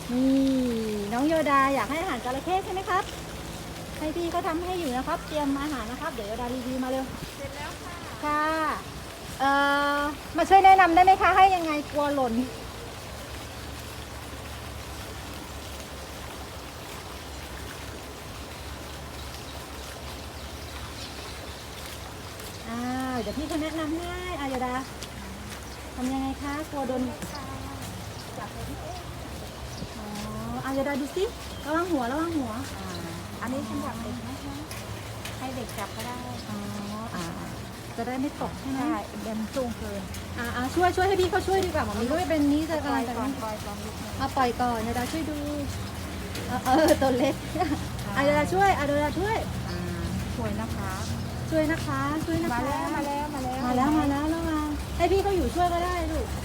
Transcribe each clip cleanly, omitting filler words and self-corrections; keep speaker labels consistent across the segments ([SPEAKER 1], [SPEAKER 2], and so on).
[SPEAKER 1] นี่น้องโยดาอยากให้อาหารจระเข้ใช่ไหมครับให้พี่เขาทำให้อยู่นะครับเตรียมอาหารนะครับเดี๋ยวโยดารีวิวมาเร็ว
[SPEAKER 2] เสร็จแล้วค่ะ
[SPEAKER 1] ค่ะมาช่วยแนะนำได้ไหมคะให้ยังไงกลัวหล่นเดี๋ยวพี่เขาแนะนำให้โยดาทำยังไงคะกลัวโดน
[SPEAKER 2] จับเลยพี่เอ๊ะ
[SPEAKER 1] โยดาดูสิระวังหัว
[SPEAKER 2] อันนี้สำหรับเด็กนะคะให้เด็กจับก็ได้
[SPEAKER 1] จะได้ไม่ตกใช่ไหม
[SPEAKER 2] ใช่เดินสูงเกิน
[SPEAKER 1] ช่วยให้พี่เขาช่วยดีกว่าหมอมีก็ไม่เป็นนี้จะ
[SPEAKER 2] ปล่อย
[SPEAKER 1] จะ
[SPEAKER 2] ก่อนนิดนึง
[SPEAKER 1] ปล่อยก่อนโยดาช่วยดูตัวเล็กโยดาช่วยโยดาช่วย
[SPEAKER 2] สวยนะคะ
[SPEAKER 1] ช่วยนะคะ
[SPEAKER 2] มาแล้ว
[SPEAKER 1] มาแล้วมาให้พี่เขาอยู่ช่วยก็ได้ลูก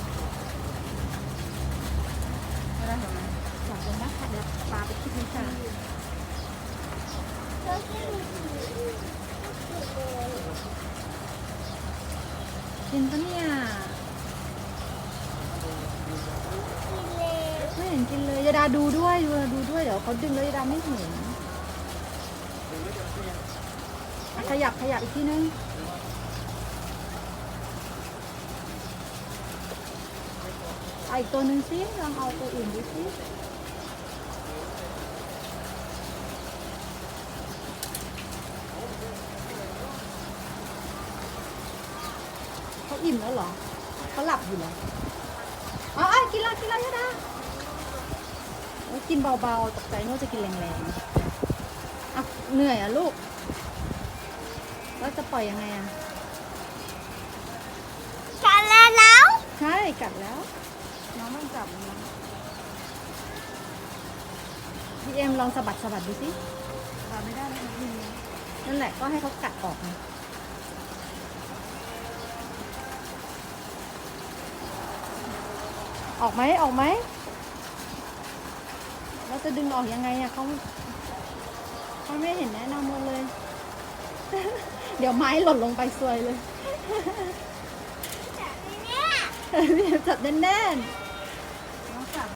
[SPEAKER 2] มาแล้วเห็นไหมจับเลยนะคะเดี๋ยวปลาไปคิดนิดนึง
[SPEAKER 1] กินปะเนี่ยไม่เห็นกินเลยโยดาดูด้วยเดี๋ยวเขาดึงแล้วโยดาไม่เห็นขยับอีกทีนึงเอาอีกตัวหนึ่งสิลองเอาตัวอื่นดูสิเขาอิ่มแล้วเหรอเขาหลับอยู่เหรอกินแล้วยะดากินเบาๆตกใจว่าจะกินแรงๆเหนื่อยลูกแล้วจะปล่อยยังไง
[SPEAKER 2] กัดแล้ว
[SPEAKER 1] ใช่กัดแล้ว
[SPEAKER 2] น้องต้องจับนะ
[SPEAKER 1] พี่เอ็มลองสะบัดดูสิ
[SPEAKER 2] จับไม่ได้นะคะพี่
[SPEAKER 1] นั่นแหละก็ให้เขากัดออกนะออกไหมเราจะดึงออกยังไงเขาไม่เห็นแนะนำเราเลย เดี๋ยวไม้หล่นลงไปซวยเลยจับแน่น